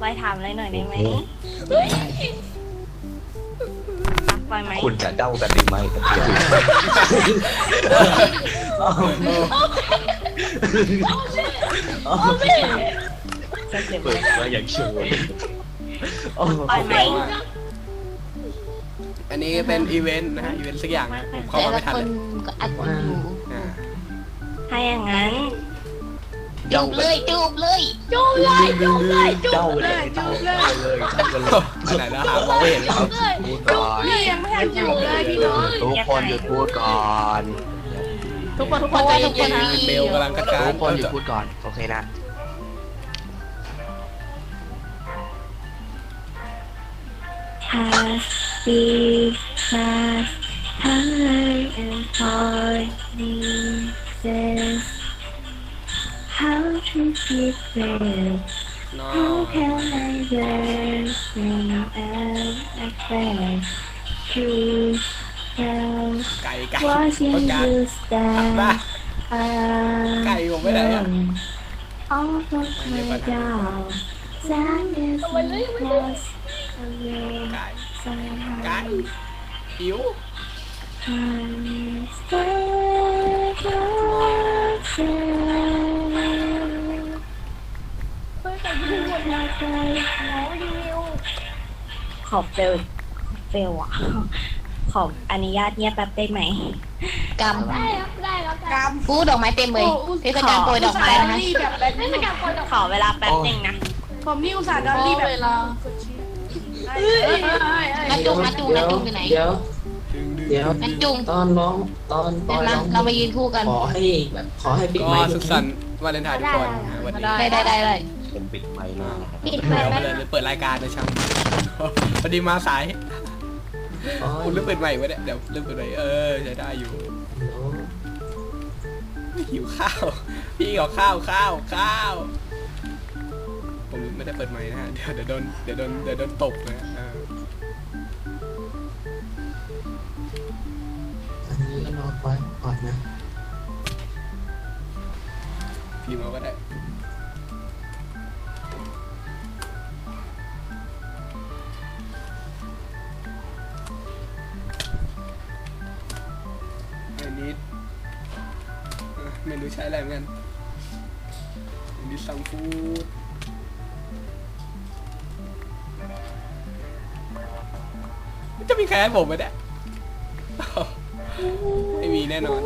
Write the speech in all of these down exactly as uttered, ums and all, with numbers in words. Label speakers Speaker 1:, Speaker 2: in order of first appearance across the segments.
Speaker 1: ปอยถามอะไรหน่อยได้ไหมปอยไหม
Speaker 2: คุณจะเด้ากันหรือไม่กันเดียวเปิดมาอย่างชัวร์
Speaker 1: ปอยไหม
Speaker 3: อันนี้เป็นอีเวนต์นะฮะอีเวนต์สักอย่างนะผมเข้า
Speaker 4: แต่
Speaker 3: มา
Speaker 4: ละ
Speaker 3: ไม่ทัน
Speaker 4: ค
Speaker 3: เล
Speaker 4: น
Speaker 3: ย
Speaker 4: ก็อัดกันอยู่
Speaker 3: อ่า
Speaker 1: ถ้าอย่างนั้น
Speaker 4: จูบเลยจูบเลย
Speaker 1: จูบเลยจูบเลยจู
Speaker 2: เด้า
Speaker 1: บ
Speaker 2: เล
Speaker 1: เลย
Speaker 2: ยเด้าเลยเด้ากันเลย
Speaker 3: ขนาดนั้นหามองไม่เห็นเลย
Speaker 2: พูดก่อน
Speaker 1: นี่ยังไม่ทันจูบเลยพี่น้อง
Speaker 2: ทุกคนหยุดพูดก่อน
Speaker 4: ทุกคนทุกคนใจเย็นๆนะ
Speaker 3: เบลกำลังกระจาย
Speaker 2: ทุกคนหยุดพูดก่อนโอเคนะ
Speaker 1: Happy Fast Color and Parties How to keep it
Speaker 3: น้อ
Speaker 1: How can I learn from an affair To tell
Speaker 3: ไก่ไก่
Speaker 1: watching
Speaker 3: ประกาศ
Speaker 1: you
Speaker 3: มา
Speaker 1: stand
Speaker 3: ไก่ผมไปไหนอะ
Speaker 1: All of my down Sadness and loss away
Speaker 3: ไก่
Speaker 1: somehow
Speaker 3: ไก่หิว
Speaker 1: I'm stillขอเฟลเฟลอ่ะ ขออนุญาตเงียบแป๊บได้ไหม
Speaker 4: กำ
Speaker 5: ได้ครับได้ครับได้
Speaker 4: กำฟูดอกไม้เต็มเลยเทศกาลโปรยดอกไม้นะคะ
Speaker 5: แบบแบบเทศกาลคน
Speaker 1: ขอเวลาแป๊บหนึ่งนะ
Speaker 5: ผมนี่อุตส่าห์ดอลลี่แบบเวลา
Speaker 4: นัดจุงนัดจุงนัดจุงอยู่ไหน
Speaker 6: เดี๋ยว
Speaker 3: ดึงดึง
Speaker 6: เดี๋ยว
Speaker 4: นัดจุง
Speaker 6: ตอนร้องตอนต
Speaker 4: เดี๋
Speaker 6: อย น
Speaker 4: ว
Speaker 6: ร้
Speaker 4: นะ
Speaker 6: อง
Speaker 4: เรามายืนคู่กัน
Speaker 6: ขอให้แบบขอให้ปิด
Speaker 3: ก็
Speaker 6: ไมค์
Speaker 3: สุขสันต์วาเลนไทน์ทุกคนนะวันนี้
Speaker 4: ได้ได้ได้ได้
Speaker 2: เป็นปิดไมค์หน้า
Speaker 5: ปิดไป
Speaker 3: เดี๋ยว
Speaker 5: แล้
Speaker 3: มาว เลยเปิดรายการนะช่างพอดีมาสาย
Speaker 6: อ๋อ
Speaker 3: คุณเริ่มเปิดใหม่วะเนี่ยเดี๋ยวเริ่มเปิดใหม่เออใช้ได้อยู่หิวข้าวพี่ขอข้าวข้าวข้าวผมไม่ได้เปิดใหม่นะฮะเดี๋ยวเดี๋ยวโดนเดี๋ยวโดนเดี๋ยวโดนตบนะเออ
Speaker 6: อันนี้ก็รอไว้ก่อนนะ
Speaker 3: พิมพ์เอาก็ได้อันนี้เอ่อเมนูใช้อะไรเหมือนกันอันนี้ซัมฟูดจะมีใครให้ผมไหมเนี่ย ไม่มีแน่นอน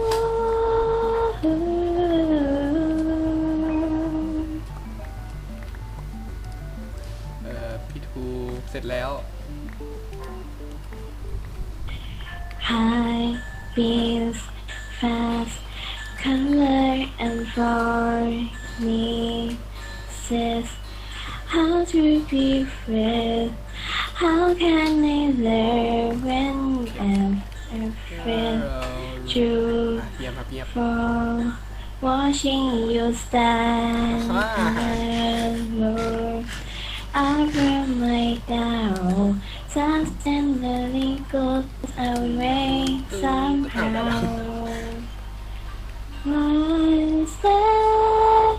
Speaker 3: เอ่อพี่ทูเสร็จแล้ว
Speaker 1: High beams fast color and promises how to be free how can I learn when I'm afraid to
Speaker 3: เยี่ยมครับเยี่ยม
Speaker 1: from watching you stand alone I bring my down just tenderly goes away somehow one step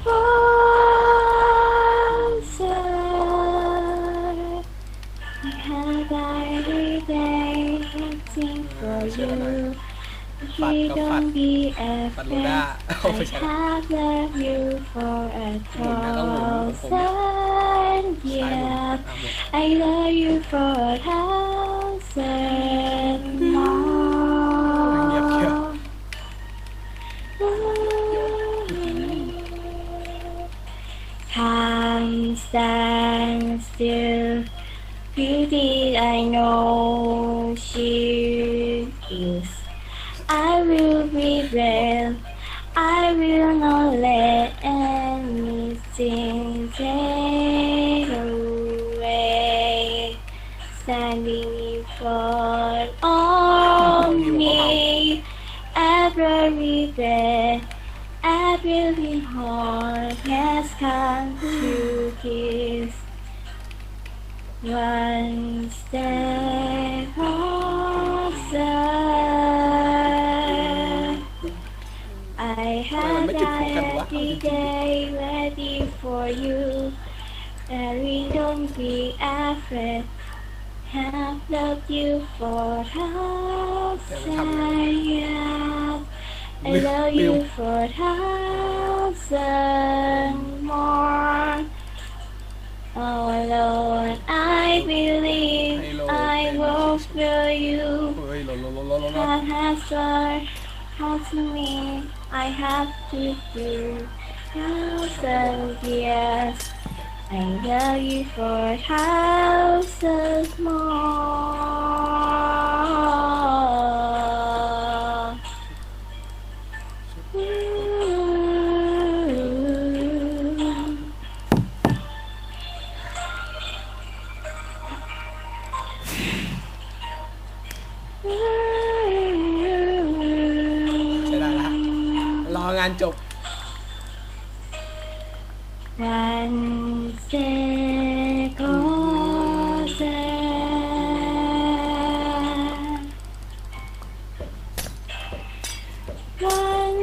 Speaker 1: closer I have every day waiting for you you don't be
Speaker 3: ปัดโลด้า
Speaker 1: afraid
Speaker 3: โอ้ไม่
Speaker 1: I
Speaker 3: ใช่
Speaker 1: have loved you for a
Speaker 3: หมุนนะต้องหมุนของผม
Speaker 1: thousand
Speaker 3: ซ้ายหมุน
Speaker 1: years
Speaker 3: อ่ะหมุน
Speaker 1: I love you for a thousand
Speaker 3: เงียบเงียบ
Speaker 1: more Time stands still Beauty I know she is I will be there I will not let anything take away Standing in front of me Every breath Every heart has come to kiss One step closer I
Speaker 3: มัน
Speaker 1: have
Speaker 3: ไม่ติดคู่กันวะ
Speaker 1: every day ready for you Darling, don't be afraid. Have loved you for thousand years. I love you for thousand more. Oh Lord, I believe I will feel you.
Speaker 3: เฮ้ยหล่นหล่นหล่นหล่นหล่น
Speaker 1: That has our heart to me. I have to do thousand years. I love you for thousands more. Ooh.
Speaker 3: ใช่ได้ละรองานจบ
Speaker 1: One second. One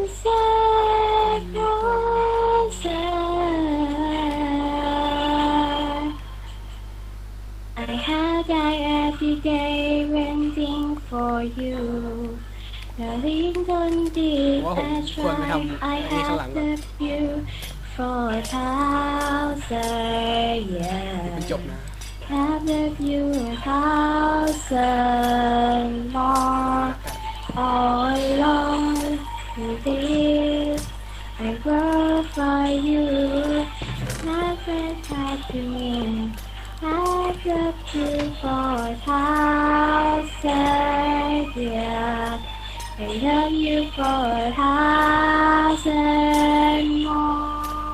Speaker 1: second. I have died every day waiting for you. Darling, don't be
Speaker 3: ว่าผม
Speaker 1: a
Speaker 3: ควรไปทำ
Speaker 1: try.
Speaker 3: ไอ้
Speaker 1: I
Speaker 3: นี่ข้างหลัง
Speaker 1: have
Speaker 3: ก่อน
Speaker 1: loved you for a thousand
Speaker 3: มัน
Speaker 1: years.
Speaker 3: จบนะ
Speaker 1: Have loved you a thousand more. All along with this, I glorify you. Never tried to me. I've loved you for a thousand years. I love you for a thousand more.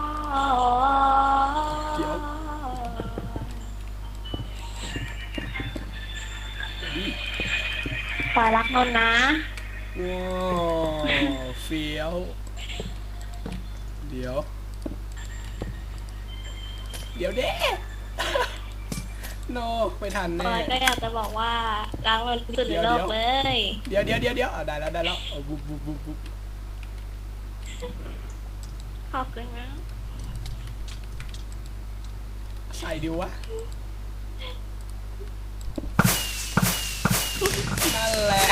Speaker 1: ปล่อยรักนนท์นะ
Speaker 3: ว้าวเฟี้ยว เดี๋ยว เดี๋ยวเด้ โนไม่ทัน
Speaker 1: ป
Speaker 3: แน่
Speaker 1: อยก็อยากจะบอกว่ารักนนท์ที่สุดในโลกเลย
Speaker 3: เดี๋ยวเดี๋ยวเดี๋ยวเดี๋ยวอ่ะได้แล้วได้แล้วเอาบุ๊บบุ๊บบุ๊บบุ๊บ
Speaker 1: ขอบคุณนะ
Speaker 3: ใส่ดิวะ นั่นแหละ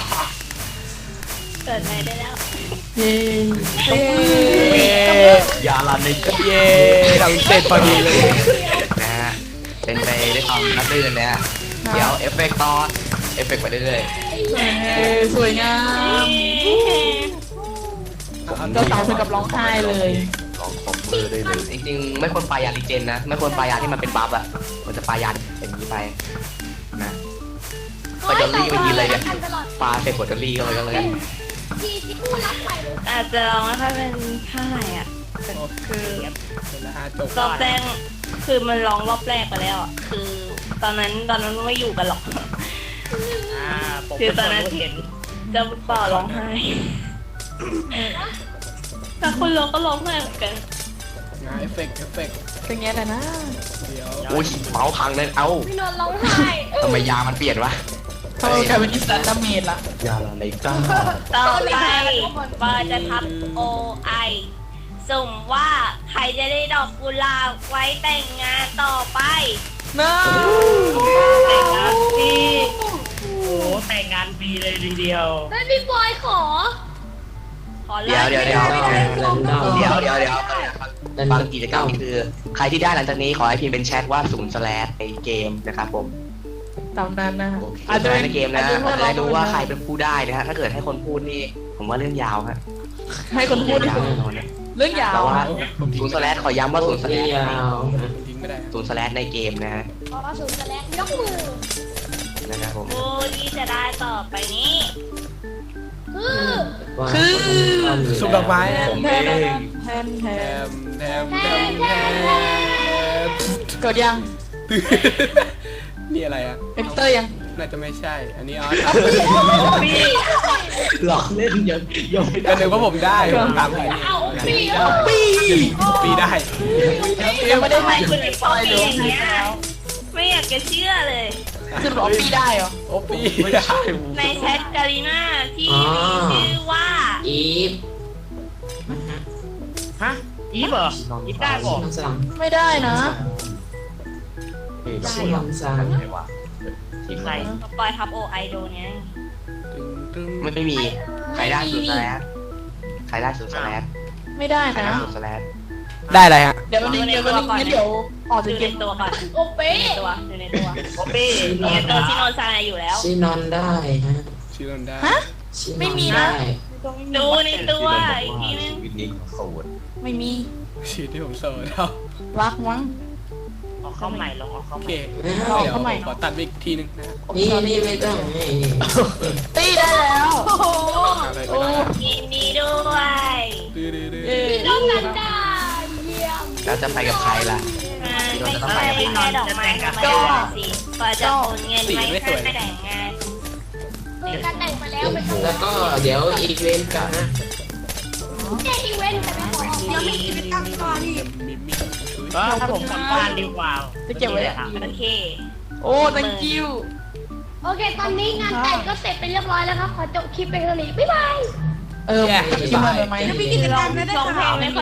Speaker 1: เกิดใหม่ได้แล้ว
Speaker 4: เย้
Speaker 3: เย้
Speaker 2: อย่าลันใน
Speaker 3: เย้ทำเสร็จพอดีเลย
Speaker 2: นะฮะเป็นไปได้วยความรับรื่นนะฮะเดี๋ยวเอฟเฟกต์ต่อเอฟเฟกต์ไปเรื่อย
Speaker 4: สวยงาม เจ้าสาวถึงกับร้องไห้เลย
Speaker 2: ๆลองขบมือได้เลยจริงๆไม่ควรปลายาลิเจนนะไม่ควรปลายาที่มันเป็นบัฟอะมันจะปลายาเป็นอย่างนี้ไปนะก็จะรีบไปกินเลยเนี่ยปลาเสร็จกดจะรีบเลยก็เลย
Speaker 5: ที่ที่ผู้รับใหม่เลย
Speaker 1: อาจจะลองไม่ค่อยเป็นเท่าไหร่อ่ะแต่คือ
Speaker 3: เสร็จแล้วฮะจบ
Speaker 1: รอบแรกคือมันร้องรอบแรกไปแล้วอ่ะคือ ตอนนั้นตอนนั้นไม่อยู่กันหรอกคือตอนนั้นเห็นจะต่อร้องไห้แต่คนร้องก็ร้องไห้เหมือนกัน
Speaker 3: งานเอฟเฟกต์เอฟเฟกต์
Speaker 4: เป็นไงล่ะนะ
Speaker 3: เดี๋ยว
Speaker 2: อุ้ยเมาส์พังเลยเอ้า
Speaker 5: พี่นนท์ร้องไห้
Speaker 2: ทำไมยามันเปลี่ยนวะ
Speaker 4: เขากลายเป็นอิสระดาเมจละ
Speaker 2: ยาลันในก้า
Speaker 1: ต่อไปปอจะทับโอไอสุ่มว่าใครจะได้ดอกกุหลาบไว้แต่งงานต่อไป
Speaker 4: น้า
Speaker 1: แต่งงานปี
Speaker 5: แล้วพี่บอยขอ
Speaker 1: ขอ
Speaker 2: เดี๋ยว
Speaker 1: ไล่
Speaker 2: เดี๋ยวเดี๋ยว
Speaker 6: แรนดอม
Speaker 2: เดี๋ยวเดี๋ยวเดี๋ยวบางกิจกรรมคือ ใครที่ได้หลังจากนี้ขอให้พิมพ์เป็นแชทว่าศูนย์สแลชในเกมนะครับผม
Speaker 4: ตามนั้นนะ
Speaker 2: อาจจะในเกมนะอาจจะได้รู้ว่าใครเป็นผู้ได้นะฮะถ้าเกิดให้คนพูดนี่ผมว่าเรื่องยาวฮะ
Speaker 4: ให้คนพูด
Speaker 2: เรื่องยาวแน่นอนนะ
Speaker 4: เรื่องยาว
Speaker 2: แต่ว่า
Speaker 4: อะ
Speaker 2: ศูนย์สแลชขอย้ำว่าศูนย์สแล
Speaker 6: ไม่
Speaker 2: ช
Speaker 6: ยาว
Speaker 3: ผมทิ้งไม่ได้
Speaker 2: ศูนย์สแลชในเกมนะฮะ
Speaker 5: ขอสูงแสลงยกมือ
Speaker 2: นะครับผม
Speaker 1: ผู้ที่จะได้ต่อไปนี้
Speaker 5: คือ
Speaker 3: สุกดอกไม้นะ
Speaker 2: ผม
Speaker 4: แท
Speaker 2: เอน ง
Speaker 4: แทนแท
Speaker 3: แถ
Speaker 4: น
Speaker 3: มแถมแถมแถม
Speaker 4: กดยัง
Speaker 3: นี่อะไรอ่ะ
Speaker 4: เอ็กเตอร์ยัง
Speaker 3: น่าจะไม่ใช่ อันนี้อ๋อ
Speaker 6: หลอกเล่นยังยังไม่
Speaker 3: ก็
Speaker 6: ได้
Speaker 3: นึกว่าผมได้ผมถามใคร
Speaker 5: เอาปีเอา
Speaker 4: ปี
Speaker 3: ปีได้
Speaker 4: ยังไม่ได้
Speaker 1: ทำไม
Speaker 4: ให้
Speaker 1: คุ
Speaker 4: คุณ ณ
Speaker 1: ถึง
Speaker 4: ป
Speaker 1: ชอ
Speaker 4: อบ ย
Speaker 1: ปี
Speaker 4: เลย
Speaker 1: อย่างเงี้ยไม่อยากจะเชื่อเลย
Speaker 4: คือบอกปีได้เหรอ
Speaker 3: โอ้ปีไม่ได้
Speaker 1: ในแชทกาลิน่าที่มีชื่อว่า
Speaker 6: อีฟ
Speaker 3: ฮะ
Speaker 1: อ
Speaker 7: อีฟเหรออีฟได้บอก
Speaker 6: น้องสัง
Speaker 4: ไม่ได้นะ
Speaker 6: ชื่อน้องสัง
Speaker 2: ไม่ว่า
Speaker 7: ทีมไหน
Speaker 1: ปล่อยทับโอไอโดนไง
Speaker 3: ตึงตึง
Speaker 2: ไม่ไม่มีใครได้ศูนย์สแลชใครได้ศูนย์สแลช
Speaker 4: ไม่ได้
Speaker 2: ใคร
Speaker 4: นะ
Speaker 2: ได้ศูนย์สแลช
Speaker 3: ได้อะไรฮะ
Speaker 4: เดี๋ยววันนี้เดี๋ยววันนี้งั้นเดี๋ยวออก
Speaker 1: ดู
Speaker 4: จากเก
Speaker 1: ใน
Speaker 4: ม
Speaker 1: ตัวก่อน
Speaker 5: โอเป๊
Speaker 1: ดูในตัวดูในตัว
Speaker 7: โอเป้
Speaker 1: ดูในตัวที่โนนซายอยู่แล้ว
Speaker 6: ชื่อนอนได้ฮะ
Speaker 3: ชื่อนันได้
Speaker 4: ฮะ
Speaker 6: ชื่อนอน
Speaker 4: ไม่มีนะ
Speaker 6: ได้
Speaker 1: ดูในตัวอีกทีนึง
Speaker 2: วินนี้โสด
Speaker 4: ไม่มี
Speaker 3: ชื่อที่ผมโซนเอา
Speaker 4: รักมั้ง
Speaker 7: ออกเข้าใหม่ลองออกเข้า
Speaker 3: โอ
Speaker 7: ให
Speaker 3: เค
Speaker 7: ม่
Speaker 4: เอา
Speaker 3: เดี๋ยว
Speaker 4: เข้าใหม่
Speaker 3: ขอตัดไปอีกทีหนึงนะฮะ
Speaker 6: นี่นี่ไม่ต้องนี่นี่
Speaker 4: ตีได้แล้ว
Speaker 3: อะไรไป
Speaker 4: โอ้
Speaker 3: ได้
Speaker 1: ยินดีด้วย
Speaker 3: ดื้อดื้อดื้อ
Speaker 4: เย้
Speaker 5: น้องนันดาเยี่ยม
Speaker 2: แล้วจะไปกับใครล่ะ
Speaker 1: ไม่ใช่แค่ดอกไม้ธรรมดาสิพอจะโอนเงินไม่ให้แต่งงาน
Speaker 5: มีการแต่งมาแล้วเป็น
Speaker 6: แล้วก็เดี๋ยวอีเวนต์กันนะ
Speaker 5: แค่อีเวนต์แต่ไม่พอยังไม่อีเวนต์ตั้งก่อนอีก
Speaker 3: มิมิช่วย
Speaker 7: ก็ถ้าผมกลับบ้านดีกว่า
Speaker 4: จะเก็บไว้
Speaker 1: โอเค
Speaker 4: โอ้ thank you
Speaker 5: โอเค ตอนนี้งานแต่งก็เสร็จไปเรียบร้อยแล้วครับ ขอจบคลิปไปเท่านี้บ๊ายบาย
Speaker 4: เออที่มาไหม
Speaker 1: ลองลองเพลงไหมคะ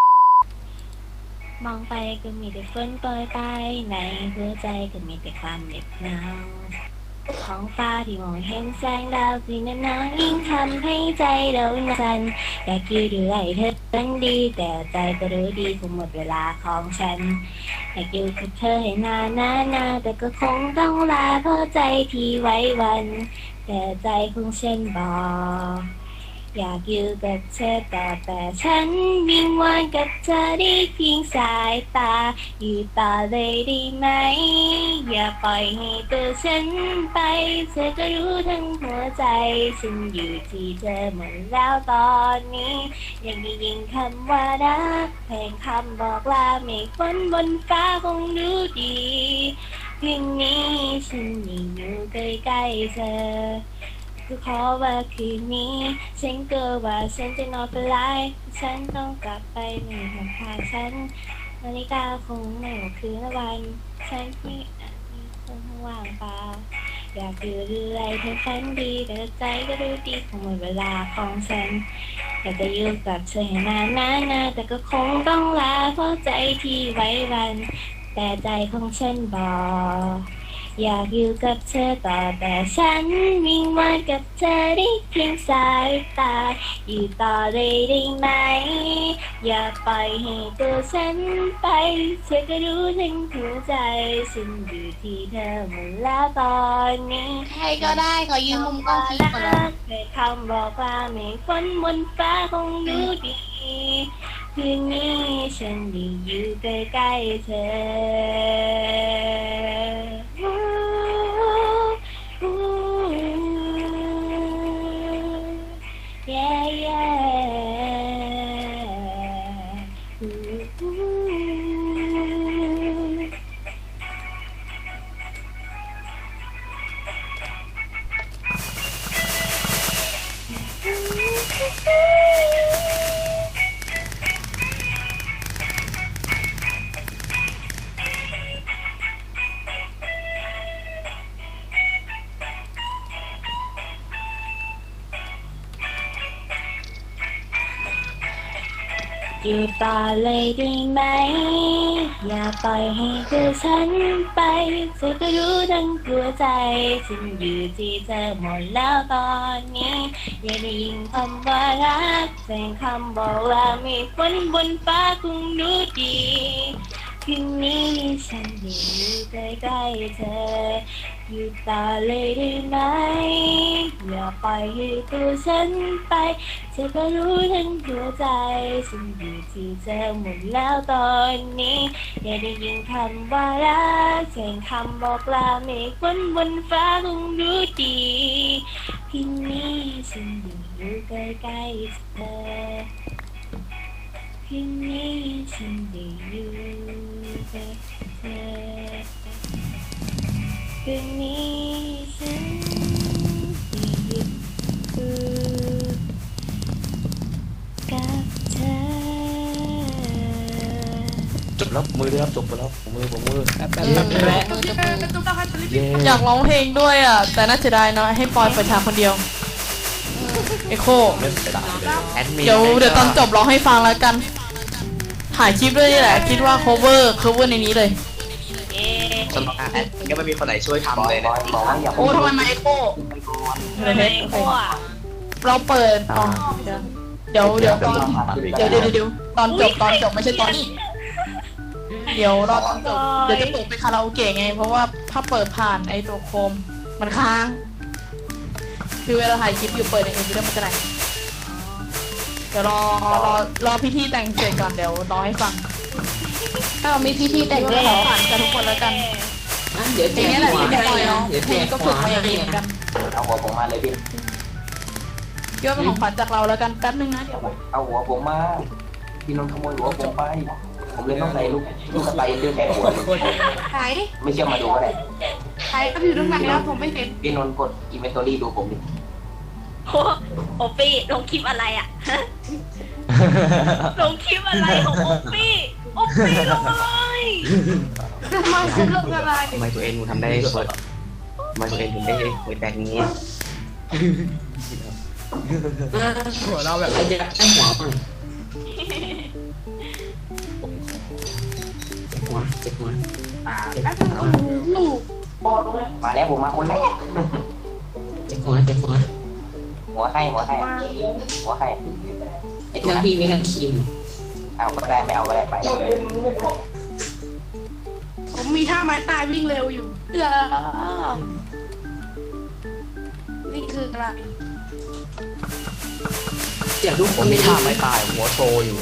Speaker 1: มองไปก็มีแต่ฝนโปรยไปในหัวใจก็มีแต่ความเหน็บหนาวท้องฟ้าที่มองเห็นแสงดาวสีน้ำน้ำยิ่งทำให้ใจเราสั่นอยากอยู่ด้วยเธอเป็นดีแต่ใจก็รู้ดีคงหมดเวลาของฉันอยากอยู่กับเธอให้นานนานนานแต่ก็คงต้องลาเพราะใจที่ไว้วัน แต่ใจของฉันบอกอยากอยู่กับเธอต่อแต่ฉันวิงวอนกับเธอได้เพียงสายตาอยู่ต่อเลยได้ไหมอย่าปล่อยให้ตัวฉันไปเธอก็รู้ทั้งหัวใจฉันอยู่ที่เธอหมดแล้วตอนนี้ยังได้ยินคำว่ารักเพลงคำบอกลาเมฆฝนบนฟ้าคงรู้ดีคืนนี้ฉันยังอยู่ใกล้ๆเธอก็ขอว่าคืนนี้ฉันกลัวว่าฉันจะนอนเป็นไรฉันต้องกลับไปมีหนทางฉันนาฬิกาคงไม่ว่าคืนละวันฉันที่อาจมีคนว่างเปล่าอยากอยู่เรื่อยเธอฝันดีแต่ใจก็รู้ดีคงหมดเวลาของฉันอยากจะอยู่กับเธอให้นานนานนานแต่ก็คงต้องลาเพราะใจที่ไว้วันแต่ใจของฉันบอกอยากอยู่กับเธอต่อแต่ฉันวิงวอนกับเธอได้เพียงสายตาอยู่ต่อเลยได้ไหมอย่าปล่อยให้ตัวฉันไปเธอก็รู้ทั้งหัวใจฉันอยู่ที่เธอหมดแล้วตอนนี้
Speaker 5: ใครก็ได้ขอยืมมุมกล้องคลิปก่อนเลย
Speaker 1: เคยคำบอกว่าไม่ฝนบนฟ้าคงรู้ดีคืนนี้ฉันได้อยู่ใกล้ๆเธอ yeah yeah อยู่ต่อเลยได้ไหมอย่าปล่อยให้ตัวฉันไปเธอก็รู้ทั้งหัวใจฉันอยู่ที่เธอหมดแล้วตอนนี้อย่าได้ยินคำว่ารักเสียงคำบอกว่ามีฝนบนฟ้าคงรู้ดีคืนนี้ฉันได้อยู่ใกล้ๆเธออยู่ต่อเลยได้ไหมอย่าปล่อยให้ตัวฉันไปเธอก็รู้ทั้งหัวใจฉันอยู่ที่เธอหมดแล้วตอนนี้อย่าได้ยินคำว่ารักเสียงคำบอกลาเมฆฝนบนฟ้าคงรู้ดีคืนนี้ฉันได้อยู่ใกล้ๆเธอคืนนี้ฉันได้อยู่ใกล้เธอคืนนี้ฉันได้อยู่กับเธอ
Speaker 2: จบแล้วมือด้วยครับจบไปแล้วผมมือผมมือ
Speaker 3: แป๊บแป๊บแป๊บแป๊บ
Speaker 2: เย้
Speaker 4: อยากร้องเพลงด้วยอ่ะ แต่น่าเสียดายเนาะให้ปอยเปิดทางคนเดียว เอโค
Speaker 2: ไม่เสียดายเลยแอดมิน
Speaker 4: เดี๋ยวเดี๋ยวตอนจบร้องให้ฟังแล้วกันถ่ายคลิปด้วยนี่แหละ คิดว่า cover cover ในนี้เลย
Speaker 1: เอ๊ะ
Speaker 2: สมัครแอดก็ไม่มีคนไหนช่วยทำเลยนะ
Speaker 4: โอ้ทำไมมาเอ็โก้เลย
Speaker 1: ไม่
Speaker 4: เฮ็ด
Speaker 1: โอ้อะ
Speaker 4: เราเปิดอ๋อเดี๋ยวเดี๋ยวตอนเดี๋ยวเดี๋ยวเดี๋ยวตอนจบตอนจบไม่ใช่ตอนนี้ เดี๋ยวรอตอนจบเดี๋ยวจะเปิดไปคาราโอเกะไง เพราะว่าถ้าเปิดผ่านไอ้ตัวโคมมันค้าง คือเวลาถ่ายคลิปอยู่เปิดในเอ็นวีดีโอมันจะไหนเดี๋ยวรอรอรอพี่ที่แต่งเสร็จก่อนเดี๋ยวรอให้ฟัง ถ้าเรามีพี่ที่แต่งก็ขอผ่านกันทุกคนแล้วกัน
Speaker 6: อ่ะเดี๋ยว
Speaker 4: เพ
Speaker 6: แจ
Speaker 4: ลง
Speaker 6: ก
Speaker 4: นี้แหละ
Speaker 6: หัว
Speaker 4: ที่
Speaker 6: ให้
Speaker 4: ปล่อย
Speaker 6: นะ
Speaker 4: เนาะ
Speaker 6: เดี๋ยว
Speaker 4: เพ
Speaker 6: แจ
Speaker 4: ลง
Speaker 6: ก
Speaker 4: ก็
Speaker 6: หั
Speaker 4: ฝึ
Speaker 6: ว
Speaker 4: กมา
Speaker 6: ให้
Speaker 4: อย่างนี้เหมือนกัน
Speaker 8: เอาหัวผมมาเลยพี่
Speaker 4: เยอะเป็นของขวัญจากเราแล้วกันแป๊บนึงนะเดี๋ยว
Speaker 8: เอาหัวผมมา พี่นนท์ขโมยหัวผมไป ผมเลยต้องใส่ลูกลูกสไปเดอร์แทนหัวเลย
Speaker 5: ขายดิ
Speaker 8: ไม่เชื่อมาดูก็ได้
Speaker 5: ขายก็อยู่ตรงไหนแล้วผมไม่เห็น
Speaker 8: พี่นนท์กดอินเวนทอรี่ดูผมดิ
Speaker 1: โอ้โอปี้ลงคลิปอะไรอ่ะ ลงคลิปอะไรของโอปี้โอปี้ลงอะไร
Speaker 5: มาซื้อเรื่องอะไร
Speaker 2: ทำไมตัวเองมึงทำได้เปิดทำไมตัวเองถึงได้เปิดแบบนี้
Speaker 3: หัวเราแบบ
Speaker 6: ใครจะได้หัวบ้างเจ็บหัวเจ็บหัว
Speaker 5: ลูก
Speaker 8: มาแล้วผมมาคนแรก
Speaker 6: เจ็บหัวเจ็บหัว
Speaker 8: หัวให้หัวให้หัวให้
Speaker 6: ไอ้เจ้าพี่ไม่กันคิม
Speaker 8: เอาก็ได้ไม่เอาก็ได้ไป
Speaker 5: ผมมีท่าไม้ตายวิ่งเร็วอยู่เออนี่คืออะไร
Speaker 6: เจ็บลูก
Speaker 2: ผมมีท่าไม่ตายหัวโชว์อยู่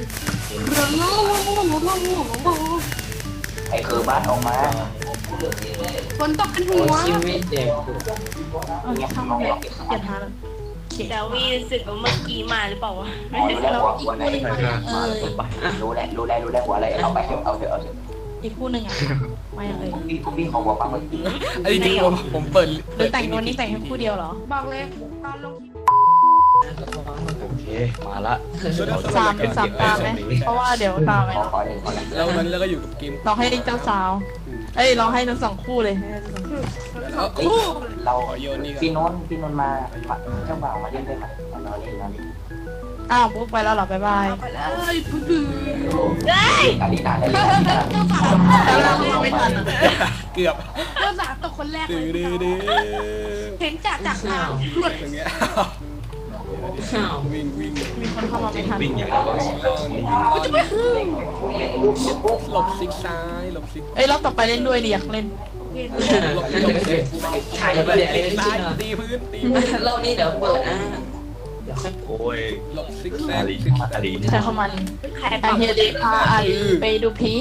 Speaker 8: ไอ้คือบ้านออกมา
Speaker 5: ฝนตกเป็น
Speaker 6: หั
Speaker 5: หั
Speaker 6: ว
Speaker 5: ว
Speaker 6: คิมไม่เจ็บ
Speaker 4: เอาช่างมันเลยเปลี่ยนท่าแล้ว
Speaker 1: เดี๋ยววีรู้สึกว่าเมื่อกี้มาหรือเปล่าวะ
Speaker 8: รู้แล้วหัวหัวไหน
Speaker 4: เออ
Speaker 8: รู้แล้วรู้แล้วรู้แล้วหัวอะไรเอาไปเถอะเอาเถอะเอาเถอะ
Speaker 4: อีกคู่หนึ่งอ่ะมาอย่างเลย
Speaker 8: พี่พี่ของหัวปลาหมึก
Speaker 3: ไอ้จริงๆผมผมเปิด
Speaker 4: หรือแต่งตัวนี้แต่งแค่คู่เดียวเหรอ
Speaker 5: บอกเลยตอนลง
Speaker 2: โอเคมาละ
Speaker 4: สามสามตาไหมเพราะว่าเดี๋ยวตามไป
Speaker 8: ขอขอหนึ่งขอหนึ่ง
Speaker 3: แล้วตอนนี้เราก็อยู่กับเกม
Speaker 4: เราให้เจ้าสาว เอ้ยเราให้ทั้งสองคู่เลย
Speaker 3: เอา
Speaker 8: เรา
Speaker 3: ขอโยนนี่ก่อน
Speaker 8: พี่โน้นพี่โน้นมาเจ้าบ่าวมาเล่นได้ไหมนอนเล่นนอนเล่น
Speaker 4: อ้าวปุ๊บไปแล้วเหรอบ๊ายบาย
Speaker 5: ไปเลยพึ่งพึ่ง
Speaker 1: เฮ้ย
Speaker 8: อาริตาได้เลย
Speaker 4: แล้วเราไม่ทันอ่ะ
Speaker 3: เกือบ
Speaker 5: เริ่มสามตกคนแรกเล
Speaker 3: ดื้
Speaker 5: ย
Speaker 3: อดื้อดื้อ
Speaker 5: เห็นจากจากทางหลุด
Speaker 3: อย่างเงี้ย
Speaker 6: ข้าว
Speaker 3: วิ่งวิ่ง
Speaker 4: มีคนเข้ามาไม่ทัน
Speaker 3: หลบซิกซ้ายหลบซิก
Speaker 4: เอ้ยรอบต่อไปเล่นด้วยดิอยากเล่น
Speaker 3: หลบ
Speaker 6: นั่น
Speaker 3: หลบ
Speaker 6: เลย
Speaker 3: ถ่ายไปเลยซ้ายตีพื้นตีพื้น
Speaker 6: รอบนี้เดี๋ยวเปิดนะเดี๋ยวค่อย
Speaker 2: โอ้ย
Speaker 3: หลบซิกแซกซิกแซก
Speaker 4: ใช้เข้ามัน
Speaker 1: ใคร
Speaker 4: ไอ
Speaker 1: เป่า
Speaker 4: เฮียเดพาอาลีไปดูพี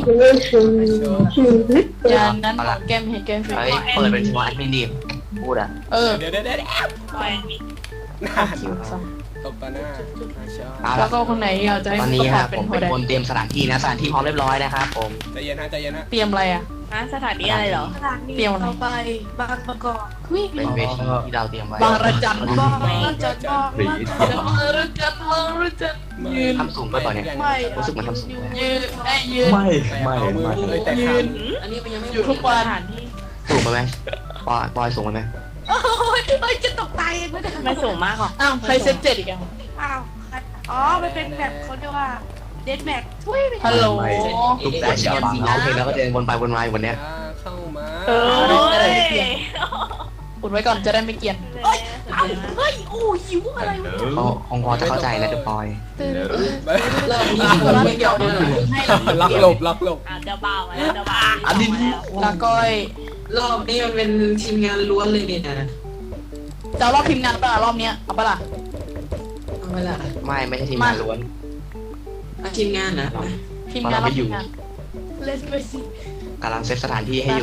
Speaker 4: อย่างนั้นของแก้มเฮดแก้มฟิ
Speaker 2: เฮ้ยเปิดเป็นชัวร์แอดมินดิพูดอ่ะ
Speaker 4: เออ
Speaker 3: เดี๋ยวเดี๋ยวเดี๋ยว
Speaker 1: ปล่อยมี
Speaker 3: หน้า
Speaker 4: คิวซะ
Speaker 3: ตบตาหน้าชอบ
Speaker 2: เอา
Speaker 4: แล้
Speaker 2: ละ
Speaker 4: วก็คนไหนอยากจะให้
Speaker 2: ตอน
Speaker 4: ป
Speaker 2: นี้
Speaker 4: ระ
Speaker 2: ค
Speaker 4: กา
Speaker 2: รั
Speaker 4: ศ
Speaker 2: บ
Speaker 4: เป็
Speaker 2: ผ
Speaker 4: น
Speaker 2: ม
Speaker 4: โฮ
Speaker 2: เป็น
Speaker 4: เด
Speaker 2: คนเตรียมสถานที่นะสถานที่พร้อมเรียบร้อยนะครับผม
Speaker 3: ใจเย็นนะใจเย็นนะ
Speaker 4: เตรียมอะไรอ่ะ
Speaker 1: นะสถานีอะไรเหรอ
Speaker 5: สถานี
Speaker 4: เตรียมอะไร
Speaker 5: ต่อไปบางประกอบวิ่ง
Speaker 2: เป็นเวทีที่เราเตรียมไว้
Speaker 4: บางระจันบ้าง
Speaker 5: เราจะบอกว่า
Speaker 4: บางระจันบางระจันยืน
Speaker 2: ทำสูงไปก่อนเนี่ย
Speaker 5: ไม่
Speaker 2: รู้สึกเหมันทำสูง
Speaker 4: ยืนไอ้ยืน
Speaker 3: ไม่ไม่ไม่เลยแต่
Speaker 4: ยื
Speaker 3: ขาน
Speaker 6: อันนี้มันยังไม่
Speaker 4: อยู่ทุกวัน
Speaker 2: สูงไปไหมปอยปอยสูงไปไหม
Speaker 5: โอ้ยเอ้ยจะตกตายไม่ได้
Speaker 1: ไม่สูงมากหรอก
Speaker 4: อ้าวใครเซตเจ็ดอีกอ่ะ
Speaker 5: อ้าวอ๋อมันเป็นแบบคนเรียกว่าเดนแม็กทุยไป
Speaker 4: ฮัลโหล
Speaker 2: ทุกแต่เชียร์บังโอเคแล้วก็เดินวนไปวนมาอยู่วันเนี้ย
Speaker 3: เข้ามา
Speaker 1: เอ้ย
Speaker 4: อุดไว้ก่อนจะได้ไม่เกลียน
Speaker 5: เอ้ยเอ้าเฮ้ยโอ้หิวอะไรวะ
Speaker 2: เขาคงพอจะเข้าใจแล้วเดี๋ยวปอย
Speaker 6: รอบนี้
Speaker 4: อ่ะ
Speaker 6: เปิด
Speaker 4: แล้ว
Speaker 6: ไม่
Speaker 4: เดี๋
Speaker 6: เกี่
Speaker 4: ย
Speaker 6: ยว ว
Speaker 4: เดี๋ยว
Speaker 6: นะ
Speaker 4: ให้เรา
Speaker 3: ล็อกหลบล็อกหลบ
Speaker 1: อ่ะเจ้าบ่าวมาแล้วเจ้าบ่าว
Speaker 2: อันนี้
Speaker 1: มาแล้ว
Speaker 4: ลาก้อย
Speaker 6: รอบนี้มันเป็นทีมงานล้วนเลยเนี่ยนะ
Speaker 4: จะเอารอบทีมงานปะล่ะรอบเนี้ยเอาปะล่ะ
Speaker 6: เอาไปละ
Speaker 2: ไม่ไม่ใช่ทีมงานล้วน
Speaker 6: เอาทีมงานนะ
Speaker 4: ทีมงานรอบทีมงาน
Speaker 5: เลสไปสิ
Speaker 2: กำลังเซตสถานที่ให้อยู่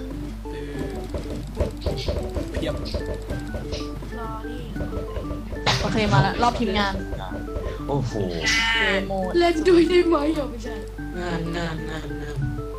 Speaker 3: เพียบ
Speaker 5: รอนี่
Speaker 4: โอเคมาแล้วรอบทีมงาน
Speaker 2: โอ้โห
Speaker 4: เกมโหมด
Speaker 5: เล่นด้วยได้ไหมอ่ะไม่ใช่
Speaker 6: งานงานงานงาน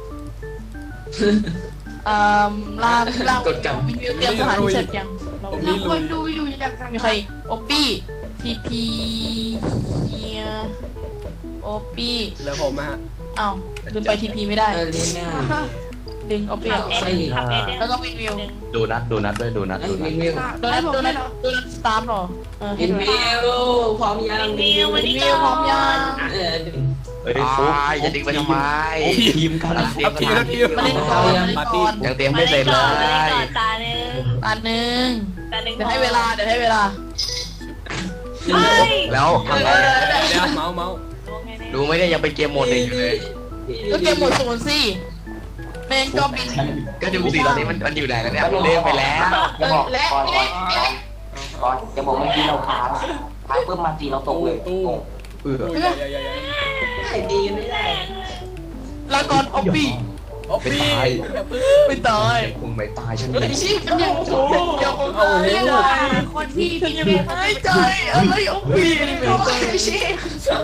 Speaker 4: เอ่อลามลามวิวเตรียมสถานที่เสร็จยังเรา
Speaker 5: เราควรดูอยู่อย่างไร
Speaker 4: มีใครอีกโอปี้ทีพีเฮียโอปี้
Speaker 3: แล้วผมฮะ
Speaker 4: อ้าวลืมไปทีพีไม่ได้
Speaker 6: เออเรียนงาน
Speaker 4: ดึงโอปี้
Speaker 1: ขับเอ็นขับเอ็น
Speaker 4: แล้วก็วินวิว
Speaker 2: ดูนัดดูนัดด้วยดูนัด
Speaker 6: ไอ้
Speaker 2: ดูนั
Speaker 6: วิ
Speaker 2: ด
Speaker 6: นวิว
Speaker 4: โดนัทโดนัทโดนัทสตาร์ทหรอเออ
Speaker 6: วินวิวพร้อมยัง
Speaker 1: วิววันนี้
Speaker 4: วิวพร้อมยัง
Speaker 6: เออ
Speaker 2: เอ้ยฟุ๊กจะดึงไปทำไม
Speaker 8: ทีมกัน
Speaker 3: เอาทีมเอาทีม
Speaker 4: มาเล่นก่อนมาเล่น
Speaker 3: ปาร์
Speaker 4: ก่
Speaker 3: ตี้
Speaker 4: อน
Speaker 2: ยังเตรียมไม่เสร็จเลย
Speaker 1: ก่อนตาหนึ่ง
Speaker 4: อันหนึ่ง
Speaker 1: ตาหนึ่ง
Speaker 4: เดี๋ยวให้เวลาเดี๋ยวให้เวลา
Speaker 1: เฮ้ย
Speaker 2: แล้วทำไง
Speaker 3: เดี๋ยวเมาส์เมาส์
Speaker 2: ดูไหมเนี่ยยังเป็นเกมโหมดหนึ่งอยู่เลย
Speaker 4: ก็เกมหมดศูนย์สิเมนก็บิน
Speaker 2: ก็ดูสิตอนนี้มันมันอยู่ไหนแล้วเนี่ยเล่นไปแล้ว
Speaker 8: จะบอก
Speaker 4: และ
Speaker 8: ก่อนก่
Speaker 4: และ
Speaker 8: อนก่อนจะบอกเมื่อกี้เราค้างค้างเพิ่มมาจีเราตกเลย
Speaker 3: ตู้
Speaker 2: เออ
Speaker 3: ตู้ใหญ่ใหญ่ใหญ่ใหญ่
Speaker 6: ได้ดีกันไม่ได้
Speaker 4: ลาก่อนออบบี้
Speaker 3: โอ้พี่อย่าเพิ่ง
Speaker 4: ไม่ตาย
Speaker 2: คงไม่ตายฉัน
Speaker 4: เฮ้ยชิบยังยังยัง
Speaker 3: โอ้โห
Speaker 5: คนที่
Speaker 4: ฉันยังไม่หายใจอะไรออบบี้นี่ไม่ตายชิบ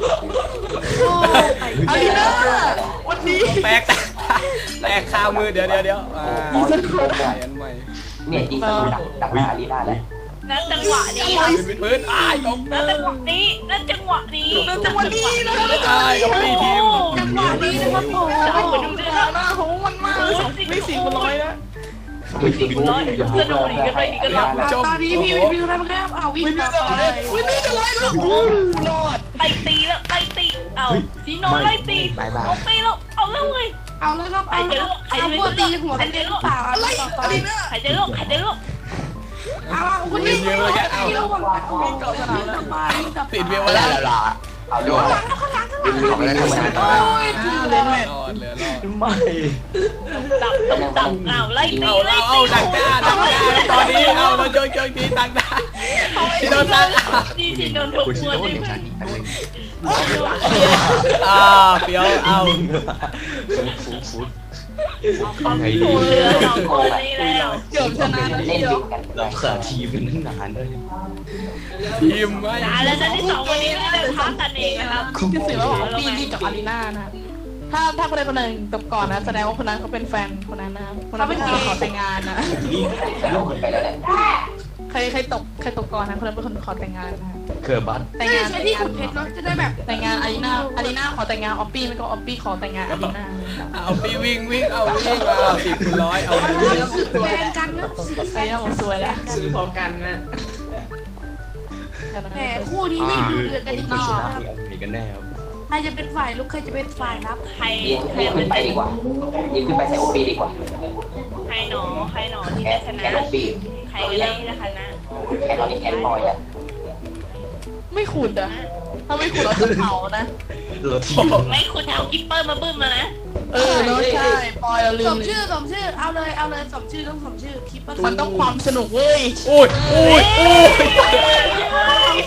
Speaker 4: อารีนาวันนี้
Speaker 3: แตกแตกคามือเดี๋ยวเดี๋ยวเดี๋ยวอ่าใหม่อันใหม่
Speaker 8: เนี่ยจริงๆดักดักหน้าอารีนาแล้ว
Speaker 1: นั่นจังหวะนี้
Speaker 3: พื้นพื้นอ้ายตก
Speaker 1: นั่นจังหวะนี้นั่นจังหวะนี้
Speaker 4: เราจะวันนี้นะ
Speaker 3: อ้ายกับพี่ทีม
Speaker 4: จังหวะนี้นะครับผมดูดิหน้าของมันมากไม่สี่คนร้อยนะ
Speaker 8: ไม่จริง
Speaker 1: ร้อยกระโดดอีกกระโดดอีกกระโดด
Speaker 3: ชม
Speaker 4: ตอนนี้พี่วิวอะไรบ้างครับเอาวิ่งต่อไปวิ่งนี่จะไล่ลูกรอด
Speaker 1: ไล่ตีแล้วไล่ตีเอาสีโนไล่ตีเอาตีแล้วเอาแล้วเว้ย
Speaker 5: เอาเลยครับ
Speaker 1: ใคร
Speaker 5: เอา
Speaker 1: จะ
Speaker 5: เลย
Speaker 1: ลูกใคร
Speaker 5: เอา
Speaker 1: จะ
Speaker 5: พว
Speaker 1: ลู
Speaker 5: ก
Speaker 1: ก
Speaker 5: ตีหัว
Speaker 1: ใคร
Speaker 5: เป็น
Speaker 1: จะ
Speaker 5: เรื่อง
Speaker 1: ลูก
Speaker 5: เปล่า
Speaker 4: อะไรอะไรนะ
Speaker 1: ใครจะลูกใครจะลูก
Speaker 5: เอาคุณนี่ไม่รู้ว่าเอาระวัง
Speaker 4: วิ่งเกาะสนามแล้วไป
Speaker 3: ติดเวล
Speaker 2: ไม่
Speaker 3: แล้
Speaker 2: ได้
Speaker 3: ว
Speaker 2: แล้วล่ะเอาดูเอาไปแล้วทำไม
Speaker 4: เล่นแม่
Speaker 3: รอดเหลือรอด
Speaker 8: ไม่
Speaker 1: ตับตับตับเอาไล่ตี
Speaker 3: เอา
Speaker 1: ไล่
Speaker 3: เอา
Speaker 1: ตี
Speaker 3: เอาดักหน้าดักหน้าตอนนี้เอาเราโยนโยนทีดักหน้าที่โดนดัก
Speaker 1: ที่ที่โดนถูก
Speaker 2: คุณ
Speaker 1: หั
Speaker 2: ชิ
Speaker 1: ว
Speaker 2: โน่
Speaker 1: ที่
Speaker 2: อย่างฉันอีกอันหนึ่ง
Speaker 3: อ่าเปียวเอา
Speaker 2: ฟุ๊กฟุ๊ก
Speaker 1: เขาถูกเรือสองคนนี้แล้ว
Speaker 4: เกือบชนะ
Speaker 8: เล่น
Speaker 4: เดียว
Speaker 8: ดิ้นกัน
Speaker 2: เราเขินทีมกันตั้งนานเลย
Speaker 3: ทีมว่า
Speaker 1: อ่าแล้วนั่นที่สองคนนี้ไม่ได้พักกันเองนะครับ
Speaker 4: คือสื่อว่าของปีนี่กับอารีนานะถ้าถ้าคนใดคนหนึ่งตบก่อนนะแสดงว่าคนนั้นเขาเป็นแฟนคนนั้นนะคนนั้นเป็นคนขอแต่งงานนะ
Speaker 8: ลูกขึ้นไปแล้วเนี่ย
Speaker 4: ใครใครตกใครตกก่อนนะคนนั้นเป็นคนขอแต่งงานนะ
Speaker 2: เขินบัต
Speaker 4: แต่ง
Speaker 5: ไม่
Speaker 4: งาน
Speaker 5: ใช่ที่ขุดเพชรเนาะจะได้แบบ
Speaker 4: แต่งงานอารีนาอารีนาขอแต่งงานออปปี้ไม่ก็ออปปี้ขอแต่งงานอารีนา
Speaker 3: เอาปีวิ่งวิ่งเอาวิ่งเอาสิบคูณร้อยเอา
Speaker 5: แฟนกันนะ
Speaker 4: อารีนาบอกสวยแล้ว
Speaker 6: ซื้อพร้อมกันนะ
Speaker 5: แต่คู่นี้นี่ดูเดือดกันอีก
Speaker 2: ไม่
Speaker 5: ต่อ
Speaker 2: ชนะ
Speaker 5: ครับ
Speaker 2: มีกันแน่ครับ
Speaker 5: ใครจะเป็นฝ่ายลุกใครจะเป็นฝ่ายรับ
Speaker 1: ใคร
Speaker 8: ยิง
Speaker 1: ใคร
Speaker 8: ยิง
Speaker 1: เป็
Speaker 8: ขึ้
Speaker 1: น
Speaker 8: นไปดีกว่ายิงขึ้นไปใส่โอปีดีกว่า
Speaker 1: ใครหนอใครหนอที่
Speaker 8: แอ
Speaker 1: ได้
Speaker 8: ด
Speaker 1: ชนะ
Speaker 8: แอดโอปี
Speaker 1: ใครก็ได้ที่ได้ชนะ
Speaker 8: แอดตอนนี้แอดบอยอ่ะ
Speaker 4: ไม่ขุดอ่ะถ้าไม่ขุดเราจะเผานะ
Speaker 2: เราทีม
Speaker 1: ไม่คุณเอากิปเปอร์มาบึ้มมานะ
Speaker 4: เออเนอะใช่ปอยเราลื
Speaker 5: ส
Speaker 4: ม
Speaker 5: มชื่อสมชื่อเอาเลยเอาเลยสมชื่อต้องสมชื่อคลิป
Speaker 4: มันต้องความสนุกเว้ย
Speaker 3: อุ้ยอุ้ยอุ้ย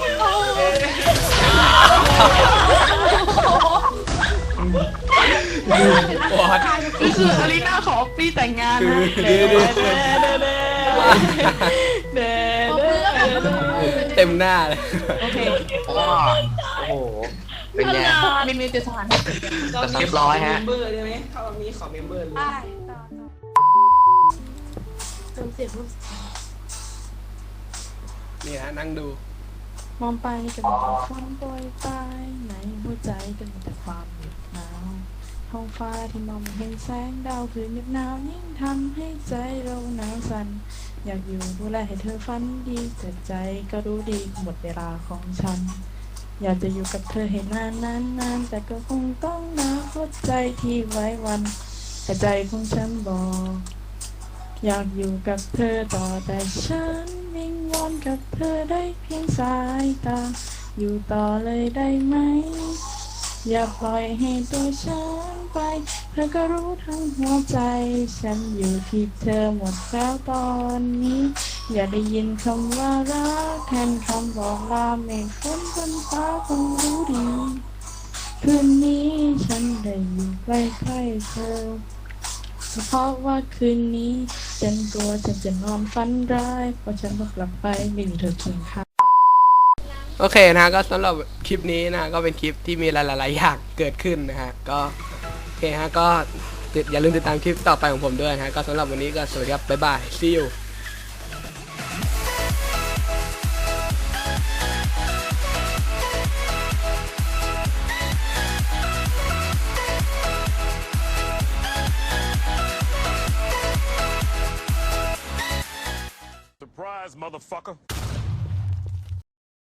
Speaker 3: ปวด
Speaker 4: นี่คืออารีนาขอปีแต่งงานนะเด้เด้เด้เด้เด้
Speaker 3: เต็มหน้าเลย
Speaker 4: โอเค
Speaker 2: โอ้โหเป็นไง
Speaker 4: มินมินจะสถาน
Speaker 2: เรียบร้อยฮะ
Speaker 6: เมมเบอร์ได้ไหมเขามีขอเมมเบอร์เลย
Speaker 5: ได้ต่อต่อเติมเสียง
Speaker 3: นี่ฮะนั่งดู
Speaker 4: มองไปก็มีแต่ความโปรยปลายในหัวใจก็มีแต่ความเหน็บหนาวท้องฟ้าที่มองไม่เห็นแสงดาวคืนเหน็บหนาวยิ่งทำให้ใจเราหนาวสั่นอยากอยู่ดูแลให้เธอฝันดีแต่ใจก็รู้ดีหมดเวลาของฉัน อยากจะอยู่กับเธอให้นานนานนานแต่ก็คงต้องนะหัวใจที่ไว้วันแต่ใจของฉันบอกอยากอยู่กับเธอต่อแต่ฉันวิงวอนกับเธอได้เพียงสายตาอยู่ต่อเลยได้ไหมอย่าปล่อยให้ตัวฉันไปเธอก็รู้ทั้งหัวใจฉันอยู่ที่เธอหมดแล้วตอนนี้อย่าได้ยินคำว่ารักแทนคำบอกลาเมฆฝนบนฟ้าคงรู้ดีคืนนี้ฉันได้อยู่ใกล้ๆเธอเพราะว่าคืนนี้ฉันกลัวฉันจะนอนฝันร้ายเพราะฉันต้องกลับไปไม่มีเธอเคียงข้าง
Speaker 3: โอเคนะก็สำหรับคลิปนี้นะก็เป็นคลิปที่มีหลายๆอย่างเกิดขึ้นนะฮะก็โอเคฮะก็อย่าลืมติดตามคลิปต่อไปของผมด้วยนะฮะก็สำหรับวันนี้ก็สวัสดีครับบ๊ายบาย see you